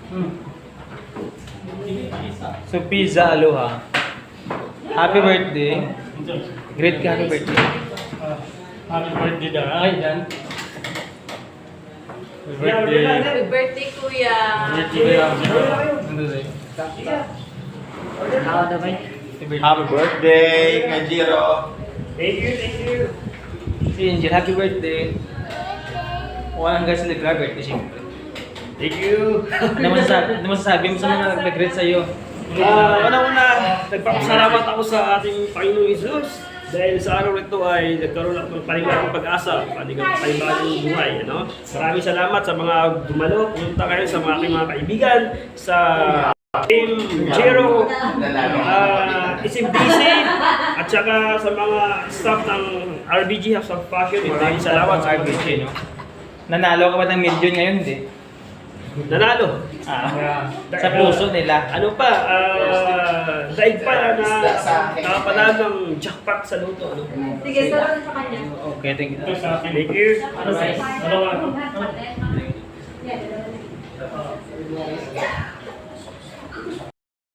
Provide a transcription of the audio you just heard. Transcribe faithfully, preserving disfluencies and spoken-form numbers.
So, pizza, aloha. Happy birthday. Great ka, happy birthday. Happy birthday daw. Ay, yan. Happy birthday. Happy birthday, Kuya. Happy birthday, Kuya. Ano rin? Happy birthday, Kanjiro. Thank you, thank you. Si Angel, happy birthday. Walang guys na nag-birthday, siyempre. Thank you. Ano masasabi, ano masasabi mo sa mga nag-greet sa'yo? Ah, una-una, nagpapasalamat ako sa ating Panginoong Jesus dahil sa araw nito ay nagkaroon ako ng panibagong pag-asa, panibagong panibagong buhay. Ano? Maraming salamat sa mga dumalo, pumunta kayo sa mga aking mga kaibigan, sa Team Jero, uh, Isim B C, at saka sa mga staff ng R B G House of Fashion. Maraming salamat sa R B G, no? Nanalo ka ba ng million ngayon, hindi? nanalo. Ah, sa puso nila. Ano pa, uh, daig pa na nakapanalo ng jackpot sa luto. Ano? Sige, salamat sa kanya. Okay, thank you. Thank you. Ano?